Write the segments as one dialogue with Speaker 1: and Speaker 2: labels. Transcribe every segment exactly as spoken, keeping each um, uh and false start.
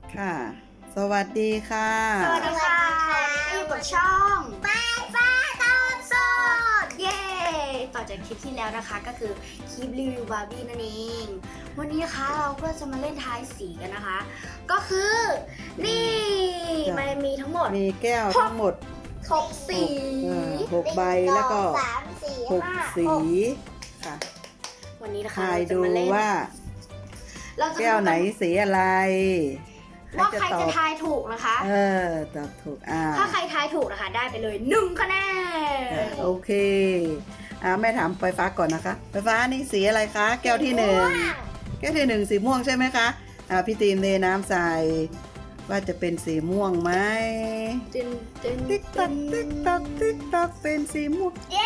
Speaker 1: ค่ะสวัสดีค่ะ
Speaker 2: สวัสดีค่ะอยู่กับช่องป้าป้าตอนสดเย้ต่อจากคลิปที่แล้วนะคะก็คือคลิปรีวิวบาร์บี้นั่นเองวันนี้นะคะเราก็จะมาเล่นทายสีกันนะคะ ก็คือนี่มันมีทั้งหมด
Speaker 1: มีแก้วทั้งหมด
Speaker 2: หกสี
Speaker 1: เออหกใบแล้วก็
Speaker 2: สามสี่
Speaker 1: หก
Speaker 2: ห้า
Speaker 1: สี
Speaker 2: หก
Speaker 1: ค่ะ
Speaker 2: วันนี้นะคะ
Speaker 1: ทาย
Speaker 2: เราจะ
Speaker 1: ดู
Speaker 2: มาเล่น
Speaker 1: ว่า
Speaker 2: เราจะ
Speaker 1: แก้วไหนสีอะไร
Speaker 2: ว่าใคร
Speaker 1: ตอ
Speaker 2: จะ
Speaker 1: บ
Speaker 2: ทายถูกนะคะ
Speaker 1: เออตอบถูกอ่า
Speaker 2: ถ้าใครทายถูกนะคะได้ไปเลยหนึ่งคะแนน
Speaker 1: อ่าโอเคอ่าแม่ถามไฟฟ้าก่อนนะคะไฟฟ้านี่สีอะไรคะแก้วที่หนึ่งแก้วที่หนึ่งสีม่วงใช่ไหมคะอ่าพี่ตีมเทน้ำใส่ว่าจะเป็นสีม่วงไหม
Speaker 2: ตึนตึน
Speaker 1: ติ๊กตักติ๊กตักติ๊กตักเป็นสีม่วง
Speaker 2: เย้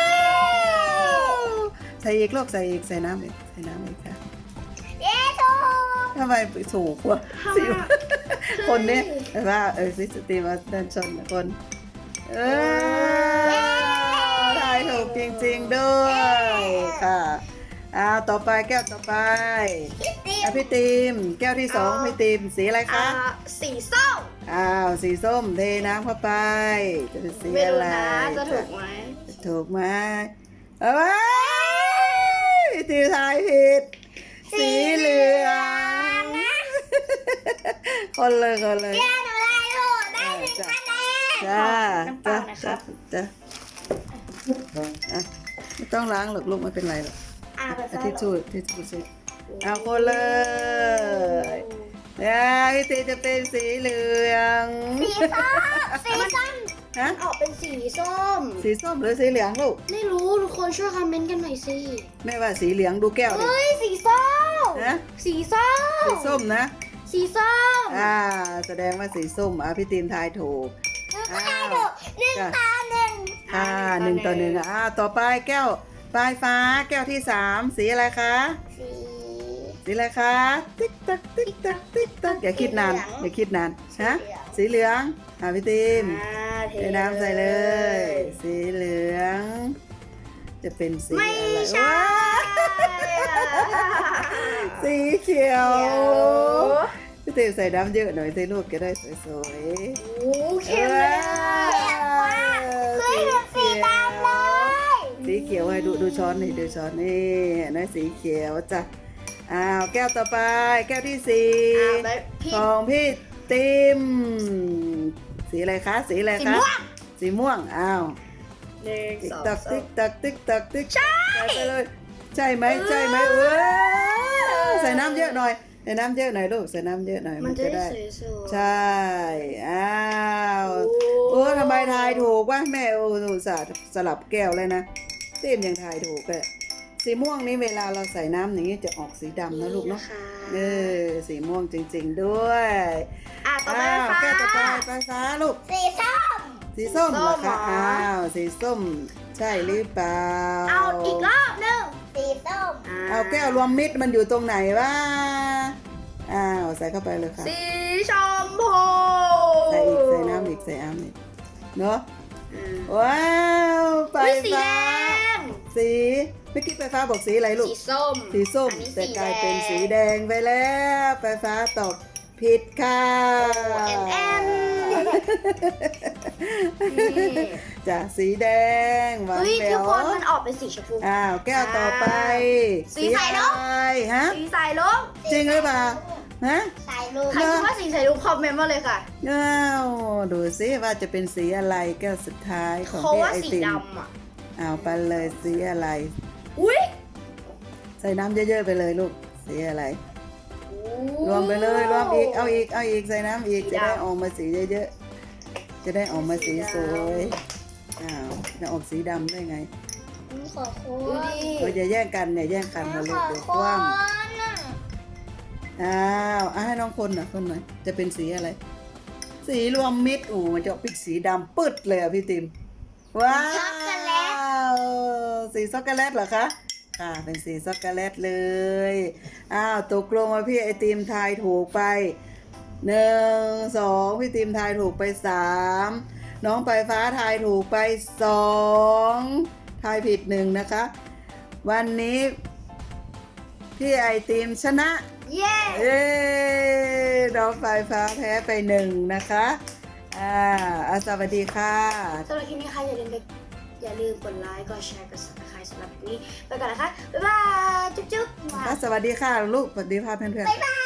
Speaker 1: ใส่อีกลูกใส่อีกใส่น้ำอีกใส่น้ำอีกค่ะ
Speaker 2: เย้ถูก
Speaker 1: ทำไมถูกวะสิวคนเนี้ยแต่ว่าเออซิสตีมาด้านชนคนเออทายถูกจริงๆด้วยค่ะอ้าวต่อไปแก้วต่อไปอ่ะพี่ตีมแก้วที่สองพี่ตีมสีอะไร
Speaker 2: อ่า
Speaker 1: คะ
Speaker 2: สีส้ม
Speaker 1: อ้าวสีส้มเทน้ำเข้าไปจะเป็นสี
Speaker 2: ไม่
Speaker 1: อะ
Speaker 2: รู้
Speaker 1: ไร
Speaker 2: นะจะถูกไหม
Speaker 1: ถูกไหมเอ้ยพี่ตีมทายผิดสีเหลืองคนเลยคนเลย
Speaker 2: หนูได้ถูกได้หนึ่งคะแนน
Speaker 1: จ้า
Speaker 2: น้ำเป
Speaker 1: จ้า
Speaker 2: ล่านะครับ
Speaker 1: จ้าอ่ะไม่ต้องล้างหรอกลูกไม่เป็นไรหรอก
Speaker 2: อ่าไป
Speaker 1: เอาทิชชู่ทิชชู่สิเอาคนเลยเนี่ยพี่ตีจะเป็นสีเหลือง
Speaker 2: สีส้มสีส้ม
Speaker 1: ฮะ
Speaker 2: ออกเป็นสีส้ม
Speaker 1: สีส้มหรือสีเหลืองลูก
Speaker 2: ไม่รู้ทุกคนช่วยคอมเมนต์กันหน่อยสิ
Speaker 1: แม่ว่าสีเหลืองดูแก้วดิ
Speaker 2: เฮ้ยสีส้ม
Speaker 1: ฮะ
Speaker 2: สีส้ม
Speaker 1: สีส้มนะ
Speaker 2: สีส้ม
Speaker 1: อ่าแสดงว่าสีส้มอ่ะพี่ตีนทายถูก
Speaker 2: ก็ได้ถูกหนึ่งต่อหนึ่ง
Speaker 1: อ่าหนึ่งต่อหนึ่งอ่าต่อไปแก้วปลายฟ้าแก้วที่สามสีอะไรคะ
Speaker 2: สี
Speaker 1: สีอะไรคะติ๊กตักติ๊กตักติ๊กตักอย่าคิดนานอย่าคิดนานฮะสีเหลืองอ่าพี่ตีม
Speaker 2: อ่าเท
Speaker 1: เทน้ำใส่เลย สีเหลือง จะเป็นสี
Speaker 2: ไม่
Speaker 1: อะไร
Speaker 2: ใช่
Speaker 1: ว้าสีเขียวพี่ตีมใส่น้ำเยอะหน่อยสิลูกจะได้สวย
Speaker 2: โอ้
Speaker 1: ๆ
Speaker 2: เข้มเลยเฮ้ยมันสีดำเลย
Speaker 1: สีเขียวให้ดูดูช้อนนี่ดูช้อนนี่นะสีเขียวจ้ะอ้าวแก้วต่อไปแก้วที่สี่
Speaker 2: อ่าแบบพี่
Speaker 1: ของพี่ติมสีอะไรคะสีอะไร
Speaker 2: สี
Speaker 1: คะ
Speaker 2: ม่วง
Speaker 1: สีม่วงอ้าว
Speaker 2: หนึ่ง
Speaker 1: ติ๊ก
Speaker 2: สอง
Speaker 1: ตัก
Speaker 2: สา
Speaker 1: ติ๊
Speaker 2: ม
Speaker 1: กตักติ๊กตักติ๊ก
Speaker 2: ใช่
Speaker 1: ใส่ไปเลยใช่ไหม
Speaker 2: เออ
Speaker 1: ใช่ไหมเว้ยใส่น้ำเยอะหน่อยใส่น้ำเยอะหน่อยลูกใส่น้ำเยอะหน่อย
Speaker 2: มันจะได้สวยๆ
Speaker 1: ใช่อ้าว
Speaker 2: โอ้
Speaker 1: โอ้ทำไมทายถูกวะแม่โอ้หนูสาสลับแก้วเลยนะเต็มยังทายถูกเลยสีม่วงนี้เวลาเราใส่น้ำอย่างนี้จะออกสีดำนะลูกเนาะ
Speaker 2: ค่
Speaker 1: เออสีม่วงจริงๆด้วย
Speaker 2: อ่ะต่อไป
Speaker 1: อ้าว
Speaker 2: ฟ้า
Speaker 1: แก้วต่อไปไฟฟ้าลูก
Speaker 2: สีส้ม
Speaker 1: สีส้มเหรอ
Speaker 2: ส้มเหร
Speaker 1: คะ
Speaker 2: อ
Speaker 1: อ้าวสีส้มใช่หรือเปล่า
Speaker 2: เอาอีกรอบหนึ่งสีส้ม
Speaker 1: เอาแก้วรวมมิตรมันอยู่ตรงไหนวะอ้าวใส่เข้าไปเลยค่ะ
Speaker 2: สีชมพู
Speaker 1: ใส่อีกใส่น้ำอีกใส่น้ำอีกเนาะ
Speaker 2: อืม
Speaker 1: ว้าวไฟ
Speaker 2: อุ๊ยสีแด
Speaker 1: ฟ้าง สีเมื่อกี้ไฟฟ้าบอกสีอะไรลูก
Speaker 2: สีส้ม
Speaker 1: สีส้ม
Speaker 2: อันนี้
Speaker 1: แต่
Speaker 2: สี
Speaker 1: กลาย
Speaker 2: แดง
Speaker 1: เป็นสีแดงไปแล้วไฟฟ้าตอบผิดค่ะ
Speaker 2: แอนแอน
Speaker 1: จ้ะสีแดงหวาน
Speaker 2: เฮ้ย
Speaker 1: แหว
Speaker 2: ทุก
Speaker 1: ว
Speaker 2: คนมันออกเป็นสีชมพู
Speaker 1: อ้าวแก้วต่อไป
Speaker 2: สีใสเนอะ
Speaker 1: อะไรฮะ
Speaker 2: สีสายลุง
Speaker 1: จริงหรือเปล่าฮะ
Speaker 2: สายลุงใครคิดว่าสีสายลุงคอมเมนต์มาเลยค่ะ
Speaker 1: อ้าวดูสิว่าจะเป็นสีอะไรแก้วสุดท้ายของ
Speaker 2: เขา
Speaker 1: พี่
Speaker 2: ว่า
Speaker 1: ไอ
Speaker 2: สี
Speaker 1: ติม
Speaker 2: ดำอ่ะ
Speaker 1: เอาไปเลยสีอะไร
Speaker 2: อุ้ย
Speaker 1: ใส่น้ำเยอะๆไปเลยลูกสีอะไร รวมไปเลยรวมอีกเอาอีกเอาอีกใส่น้ำอีกจะได้ออกมาสีเยอะๆจะได้ออกมาสีสวยอ้าวจะออกสีดำได้ไง
Speaker 2: ขอโค้
Speaker 1: เรา
Speaker 2: ด
Speaker 1: จะแย่งกันเนี่ยแย่งกันมาลูกเดี๋ยวคว่ำอ้าวอ่ะให้น้องคนหน่อยคนหน่อยจะเป็นสีอะไร สีรวมมิตรโอ้มันจะเป็นสีดำปึ๊ดเลยอ่ะพี่ติมว้าวสีช็อกโกแลตเหรอคะค่ะเป็นสีช็อกโกแลตเลยอ้าวตกลงว่าพี่ไอติมทายถูกไปหนึ่งสองพี่ติมทายถูกไปสามน้องปลายฟ้าทายถูกไปสองทายผิดหนึ่งนะคะ วันนี้พี่ไอติมชนะ
Speaker 2: เย้
Speaker 1: เย้น้องไฟฟ้าแพ้ไปหนึ่งนะคะอ่าอ่ะสวัสดีค่ะ
Speaker 2: สำหรับคลิปนี้ค่ะอย่าลืมไปอย่าลืมกดไลค์กดแชร์กด ซับสไครบ์ สำหรับวันนี้ไปก่อนนะคะบ๊ายบายจุ๊บจุ๊บ
Speaker 1: สวัสดีค่ะลูกสวัสดีค่ะเพื่อนๆ